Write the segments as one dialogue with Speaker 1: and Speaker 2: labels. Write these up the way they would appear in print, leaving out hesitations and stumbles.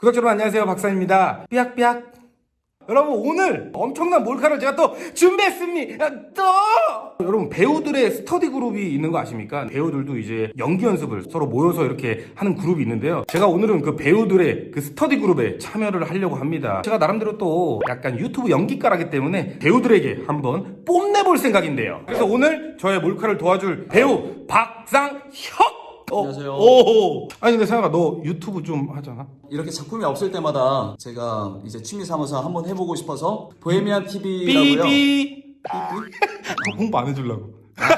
Speaker 1: 구독자 여러분 안녕하세요, 박사입니다. 삐약삐약. 여러분, 오늘 엄청난 몰카를 제가 또 준비했습니다. 여러분, 배우들의 스터디 그룹이 있는 거 아십니까? 배우들도 이제 연기 연습을 서로 모여서 이렇게 하는 그룹이 있는데요. 제가 오늘은 그 배우들의 그 스터디 그룹에 참여를 하려고 합니다. 제가 나름대로 또 약간 유튜브 연기가라기 때문에 배우들에게 한번 뽐내볼 생각인데요. 그래서 오늘 저의 몰카를 도와줄 배우 박상혁!
Speaker 2: 안녕하세요.
Speaker 1: 오. 아니 근데 상혁아, 너 유튜브 좀 하잖아.
Speaker 2: 이렇게 작품이 없을 때마다 제가 이제 취미 삼아서 한번 해보고 싶어서 보헤미안 TV라고요.
Speaker 1: 삐삐. 홍보 안 해주려고.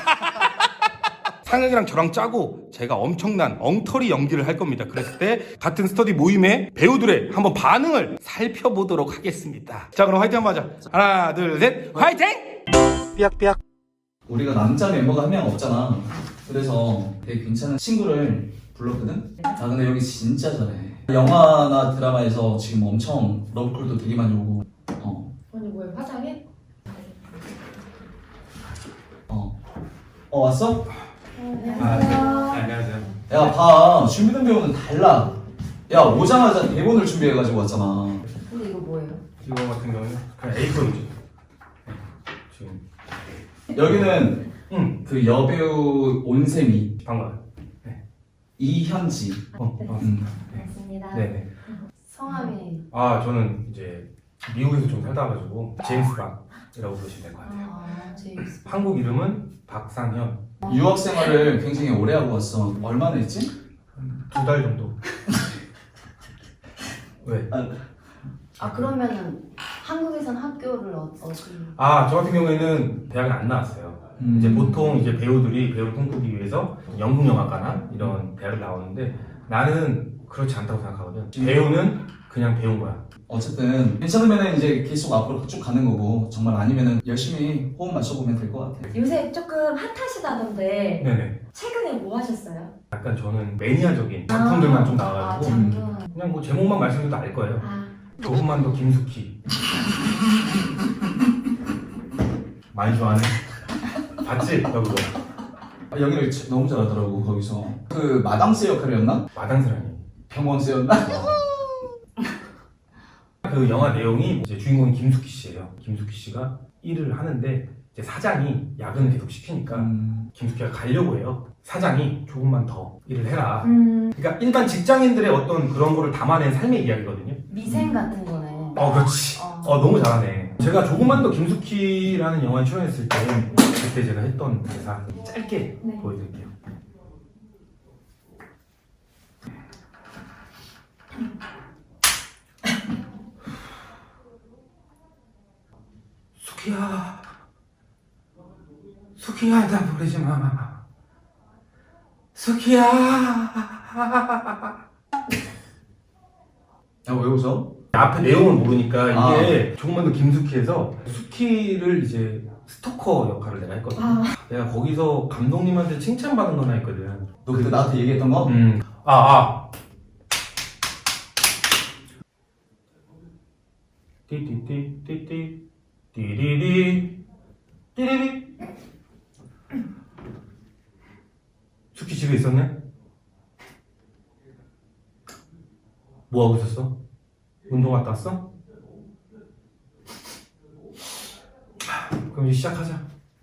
Speaker 1: 상혁이랑 저랑 짜고 제가 엄청난 엉터리 연기를 할 겁니다. 그랬을 때 같은 스터디 모임의 배우들의 한번 반응을 살펴보도록 하겠습니다. 자, 그럼 화이팅 한번 하자. 하나, 둘, 셋, 화이팅! 삐약삐약.
Speaker 2: 우리가 남자 멤버가 한 명 없잖아. 그래서 되게 괜찮은 친구를 불렀거든? 아 근데 여기 진짜 잘해. 영화나 드라마에서 지금 엄청 러브콜도 되게 많이 오고.
Speaker 3: 언니 뭐야, 화장해?
Speaker 2: 왔어?
Speaker 3: 안녕하세요.
Speaker 1: 안녕하세요.
Speaker 2: 야 봐, 준비된 배우는 달라. 야 오자마자 대본을 준비해가지고 왔잖아.
Speaker 3: 근데 이거 뭐예요?
Speaker 1: 이거 같은 경우는 그냥 A4용지. 지금
Speaker 2: 여기는 그 여배우 온세미,
Speaker 1: 반가워요.
Speaker 2: 이현지.
Speaker 3: 반갑습니다.
Speaker 1: 네네.
Speaker 3: 성함이
Speaker 1: 아, 저는 이제 미국에서 좀 살다 와가지고 제임스 박이라고 부르시면 될 것 같아요.
Speaker 3: 제임스.
Speaker 1: 한국 이름은 박상현.
Speaker 2: 유학 생활을 굉장히 오래 하고 왔어. 얼마나 했지?
Speaker 1: 2달 정도. 왜?
Speaker 3: 그러면은 한국에선 학교를 어디?
Speaker 1: 아, 저 같은 경우에는 대학을 안 나왔어요. 이제 보통 이제 배우들이 배우를 꿈꾸기 위해서 연극영화과나 이런 대학을 나오는데 나는 그렇지 않다고 생각하거든. 배우는 그냥 배운 거야.
Speaker 2: 어쨌든 괜찮으면 이제 계속 앞으로 쭉 가는 거고, 정말 아니면은 열심히 호흡 맞춰보면 될 것 같아.
Speaker 3: 요새 조금 핫하시다던데
Speaker 1: 네네.
Speaker 3: 최근에 뭐 하셨어요?
Speaker 1: 약간 저는 매니아적인 작품들만 좀 나와가지고
Speaker 3: 작품.
Speaker 1: 그냥 뭐 제목만 말씀드려도 알 거예요. 조금만 더 김숙희. 많이 좋아하네. 봤지? 너 그거.
Speaker 2: 연기를 너무 잘하더라고. 거기서 그 마당새 역할이었나?
Speaker 1: 마당사랑이.
Speaker 2: 병원새였나?
Speaker 1: 그 영화 내용이 이제 주인공이 김숙희 씨예요. 김숙희 씨가 일을 하는데 이제 사장이 야근을 계속 시키니까 김숙희가 가려고 해요. 사장이 조금만 더 일을 해라. 그러니까 일반 직장인들의 어떤 그런 거를 담아낸 삶의 이야기거든요.
Speaker 3: 미생 같은 거네.
Speaker 1: 그렇지. 너무 잘하네. 제가 조금만 더 김숙희라는 영화에 출연했을 때 그때 제가 했던 대사 짧게
Speaker 3: 네.
Speaker 1: 보여드릴게요. 숙희야, 숙희야, 나 버리지 마. 숙희야.
Speaker 2: 야, 왜 웃어?
Speaker 1: 앞에 내용을 모르니까 이게 조금만 더 김숙희에서 숙희를 이제 스토커 역할을 내가 했거든. 내가 거기서 감독님한테 칭찬받은 거 하나 있거든.
Speaker 2: 너 그때 나한테 얘기했던 거?
Speaker 1: 띠띠띠띠띠 띠리리 띠리리. 숙희 집에 있었네? 뭐 하고 있었어? 운동 갔다 왔어? 그럼 이제 시작하자.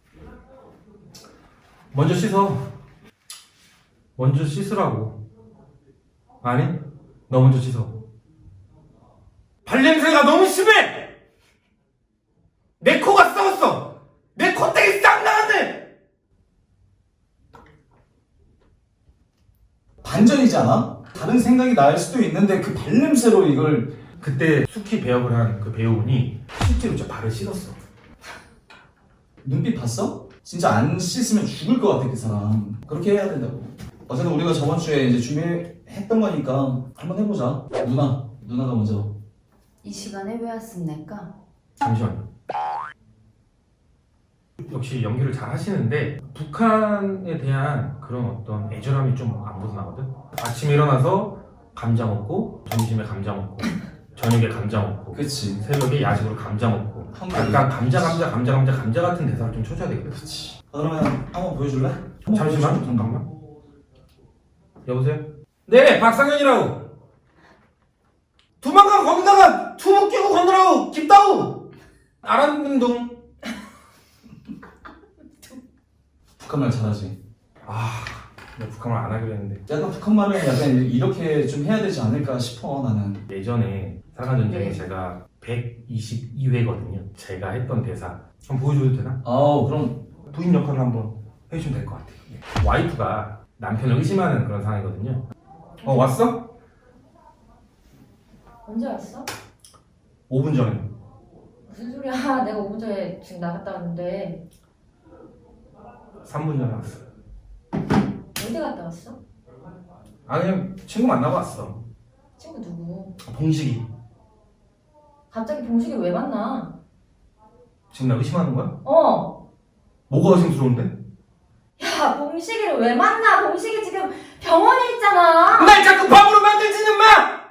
Speaker 1: 먼저 씻어. 먼저 씻으라고. 아니? 너 먼저 씻어. 발냄새가 너무 심해! 내 코가 썩었어! 내 콧대기 싹 나왔네!
Speaker 2: 반전이지 않아? 다른 생각이 날 수도 있는데 그 발냄새로 이걸.
Speaker 1: 그때 숙희 배역을 한 그 배우분이 실제로 진짜 발을 씻었어.
Speaker 2: 눈빛 봤어? 진짜 안 씻으면 죽을 것 같아 그 사람. 그렇게 해야 된다고. 어쨌든 우리가 저번 주에 이제 준비했던 거니까 한번 해보자. 누나가 먼저.
Speaker 3: 이 시간에 왜 왔습니까?
Speaker 1: 잠시만요. 역시 연기를 잘 하시는데 북한에 대한 그런 어떤 애절함이 좀 안 묻어나거든. 아침에 일어나서 감자 먹고, 점심에 감자 먹고, 저녁에 감자 먹고,
Speaker 2: 그치.
Speaker 1: 새벽에 야식으로 감자 먹고,
Speaker 2: 한국에.
Speaker 1: 약간 감자 같은 대사를 좀 쳐줘야 되거든.
Speaker 2: 그치. 그러면 한번 보여줄래?
Speaker 1: 잠시만, 잠깐만. 여보세요? 네, 박상현이라고. 두만강 건너다가 투목 끼고 건너라고 깊다우. 아란운동.
Speaker 2: 북한말 잘하지.
Speaker 1: 내가 북한말 안 하기로 했는데.
Speaker 2: 약간 북한말을 약간 이렇게 좀 해야 되지 않을까 싶어 나는.
Speaker 1: 예전에 사관전쟁에
Speaker 3: 네.
Speaker 1: 제가 122회거든요. 제가 했던 대사 한번 보여줘도 되나?
Speaker 2: 그럼
Speaker 1: 부인 역할을 한번 해주시면 될 것 같아요. 와이프가 남편을 의심하는 그런 상황이거든요. 왔어?
Speaker 3: 언제 왔어?
Speaker 1: 5분 전에.
Speaker 3: 무슨 소리야? 내가 5분 전에 지금 나갔다 왔는데
Speaker 1: 3분 전에 왔어.
Speaker 3: 어디 갔다 왔어?
Speaker 1: 그냥 친구 만나고 왔어.
Speaker 3: 친구 누구?
Speaker 1: 봉식이.
Speaker 3: 갑자기 봉식이 왜 만나?
Speaker 1: 지금 나 의심하는 거야?
Speaker 3: 뭐가
Speaker 1: 의심스러운데?
Speaker 3: 야, 봉식이를 왜 만나? 봉식이 지금 병원에 있잖아.
Speaker 1: 날 자꾸 바보로 만들지는 마!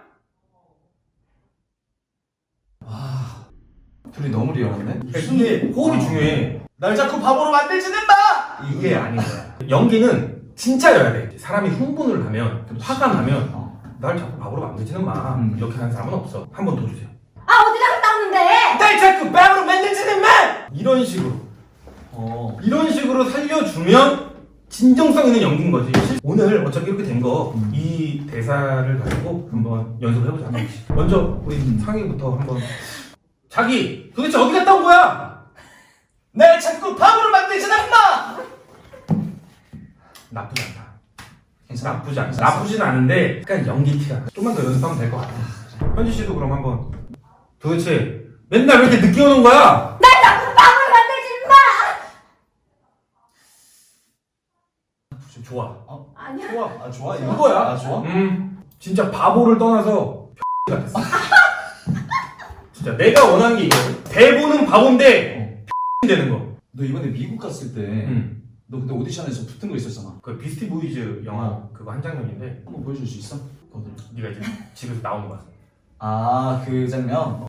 Speaker 2: 둘이 너무 리얼한데?
Speaker 1: 이게 호흡이 중요해.
Speaker 2: 날 자꾸 바보로 만들지는 마!
Speaker 1: 이게 아닌 거야. 연기는 진짜여야 돼. 사람이 흥분을 하면, 화가 나면, 날 자꾸 바보로 만들지는 마. 이렇게 하는 사람은 없어. 한 번 더 주세요.
Speaker 3: 어디 갔다 왔는데?
Speaker 1: 날 자꾸 바보로 만들지는 마! 이런 식으로. 이런 식으로 살려주면 진정성 있는 연기인 거지. 오늘 어차피 이렇게 된 거, 이 대사를 가지고 한번 연습해보자. 한 번씩. 먼저 우리 상희부터 한번. 자기, 도대체 어디 갔다 온 거야?
Speaker 2: 날 자꾸 바보로 만들지는 마!
Speaker 1: 나쁘지 않다.
Speaker 2: 괜찮아?
Speaker 1: 나쁘지 않다. 나쁘진 않은데, 약간 연기 티가. 좀만 더 연습하면 될 것 같아. 현지 씨도 그럼 한번. 도대체 맨날 왜 이렇게 늦게 오는 거야?
Speaker 3: 날 자꾸 빵을 만들지 마!
Speaker 1: 좋아.
Speaker 3: 아니야.
Speaker 2: 좋아. 좋아.
Speaker 1: 이거야.
Speaker 2: 좋아?
Speaker 1: 진짜 바보를 떠나서 같았어. 진짜 내가 원하는 게 이거야. 대본은 바본데 되는 거.
Speaker 2: 너 이번에 미국 갔을 때 너 그때 오디션에서 붙은 거 있었잖아.
Speaker 1: 그 비스티 보이즈 영화 그거 한 장면인데
Speaker 2: 한번 보여줄 수 있어? 그거들.
Speaker 1: 네가 이제 집에서 나오는 거야.
Speaker 2: 그 장면?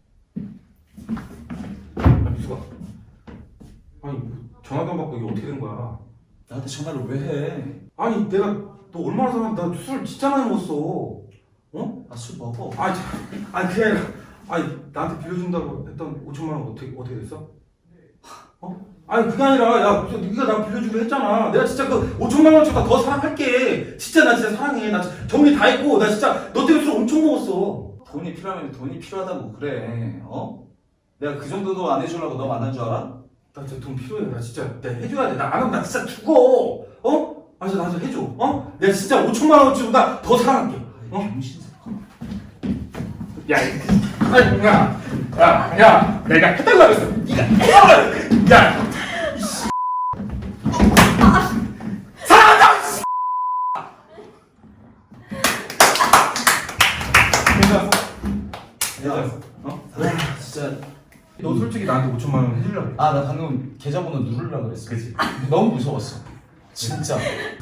Speaker 1: 미수가. 아니 전화도 안 받고 이게 어떻게 된 거야?
Speaker 2: 나한테 전화를 왜 해?
Speaker 1: 아니 내가 너 얼마나 사랑해? 나 술 진짜 많이 먹었어.
Speaker 2: 술 먹어.
Speaker 1: 그게 아니라 나한테 빌려준다고 했던 5천만 원 어떻게 됐어? 아니 그게 아니라 야 네가 나 빌려주기로 했잖아. 내가 진짜 그 5천만 원치보다 더 사랑할게. 진짜 나 진짜 사랑해. 나 정리 다 했고 나 진짜 너 때문에 술 엄청 먹었어.
Speaker 2: 돈이 필요하면 돈이 필요하다고 그래. 내가 그 정도도 안 해주려고 너 만난 줄 알아?
Speaker 1: 나 진짜 돈 필요해. 나 진짜 내가 해줘야 돼. 나 안 하면 나 진짜 죽어. 나 좀 해줘. 내가 진짜 5천만 원치보다 더 사랑할게.
Speaker 2: 병신.
Speaker 1: 야, 내가 해달라고 했어. 네가 해달라고 했어. 야, 사랑한다. 괜찮았어?
Speaker 2: 진짜.
Speaker 1: 너 솔직히 나한테 5천만 원 해주려고 그래.
Speaker 2: 나 방금 계좌번호 누르려고 그랬어.
Speaker 1: 그치?
Speaker 2: 너무 무서웠어. 진짜.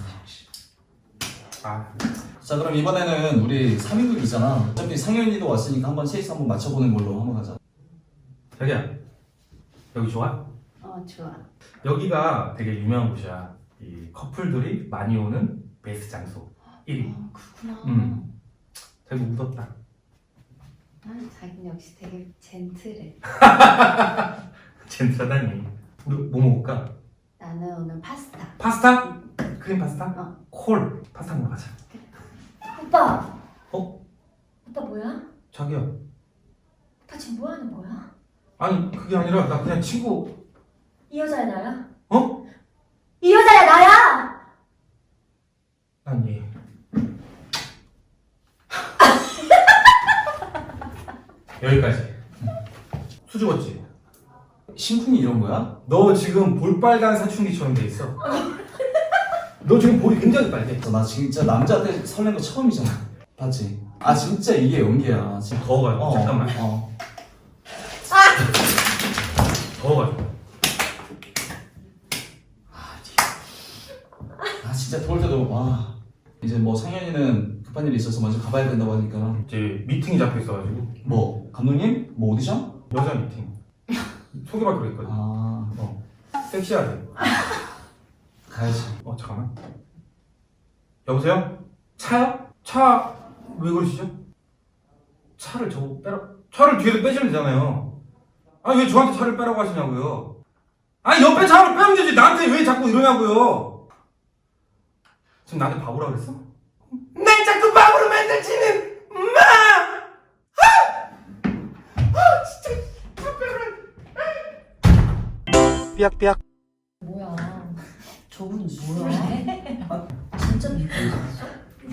Speaker 2: 자, 그럼 이번에는 우리 3인극이잖아. 어차피 상현이도 왔으니까 한번 셋이서 한번 맞춰보는 걸로 한번 가자.
Speaker 1: 자기야, 여기 좋아?
Speaker 3: 좋아.
Speaker 1: 여기가 되게 유명한 곳이야. 이 커플들이 많이 오는 베스트 장소 1위.
Speaker 3: 그렇구나.
Speaker 1: 되게 묻었다.
Speaker 3: 자기는 역시 되게 젠틀해.
Speaker 1: 젠틀하다니. 우리 뭐 먹을까?
Speaker 3: 나는 오늘 파스타.
Speaker 1: 파스타? 크림 파스타? 콜. 파스타 먹으러 가자.
Speaker 3: 오빠! 오빠 뭐야?
Speaker 1: 자기야.
Speaker 3: 오빠 지금 뭐 하는 거야?
Speaker 1: 아니 그게 아니라 나 그냥 친구.
Speaker 3: 이 여자야 나야?
Speaker 2: 이
Speaker 3: 여자야 나야!
Speaker 1: 아니 여기까지. 수줍었지?
Speaker 2: 심쿵이 이런 거야?
Speaker 1: 너 지금 볼빨간 사춘기처럼 돼 있어. 너 지금 볼이 굉장히 빨개.
Speaker 2: 나 진짜 남자한테 설렌 거 처음이잖아. 봤지? 진짜 이게 연기야. 진짜.
Speaker 1: 더워가지고 잠깐만. 더워가지고.
Speaker 2: 진짜 더울 때도 이제 뭐 상현이는 급한 일이 있어서 먼저 가봐야 된다고 하니까
Speaker 1: 이제 미팅이 잡혀 있어가지고.
Speaker 2: 뭐 감독님? 뭐 오디션?
Speaker 1: 여자 미팅. 소개받기로 했거든. 섹시하게.
Speaker 2: 가야지.
Speaker 1: 잠깐만. 여보세요? 차요? 차 왜 그러시죠? 차를 차를 뒤에서 빼시면 되잖아요. 아니 왜 저한테 차를 빼라고 하시냐고요. 아니 옆에 차를 빼면 되지 나한테 왜 자꾸 이러냐고요. 지금 나한테 바보라 그랬어? 날 자꾸 바보로 만들지는 마! 삐약삐약.
Speaker 3: 뭐야?
Speaker 4: 저분 뭐야? 진짜 믿고 있었어?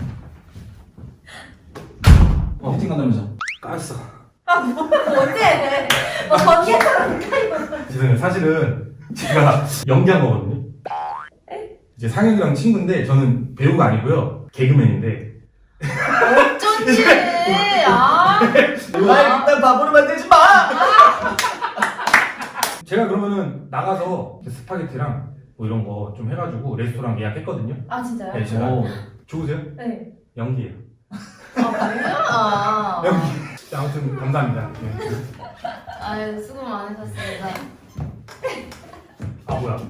Speaker 2: 미팅 간다면서.
Speaker 1: 깠어.
Speaker 3: 언제? 언제처럼
Speaker 1: 죄송해요. 사실은 제가 연기한 거거든요. 이제 상혁이랑 친구인데 저는 배우가 아니고요. 개그맨인데.
Speaker 3: 어쩐지. 아.
Speaker 2: 날 일단 바보로 만들지 마!
Speaker 1: 제가 그러면은 나가서 스파게티랑 뭐 이런 거 좀 해가지고 레스토랑 예약했거든요.
Speaker 3: 아 진짜요?
Speaker 1: 네, 제가.
Speaker 2: 오.
Speaker 1: 좋으세요?
Speaker 3: 네.
Speaker 1: 연기예요.
Speaker 3: 아 뭐야?
Speaker 1: 연기. 아무튼 감사합니다. 네.
Speaker 3: 아유 수고 많으셨습니다.
Speaker 1: 아 뭐야?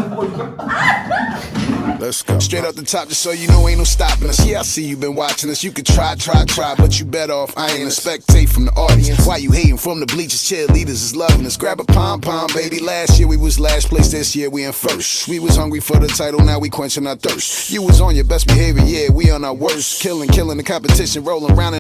Speaker 5: Let's go. Straight up the top, just so you know, ain't no stopping us. Yeah, I see you been watching us. You can try, but you better off. I ain't a spectate from the audience. Why you hating from the bleachers? Cheerleaders is loving us. Grab a pom, baby. Last year we was last place. This year we in first. We was hungry for the title, now we quenching our thirst. You was on your best behavior, yeah, we on our worst. Killing the competition, rolling around.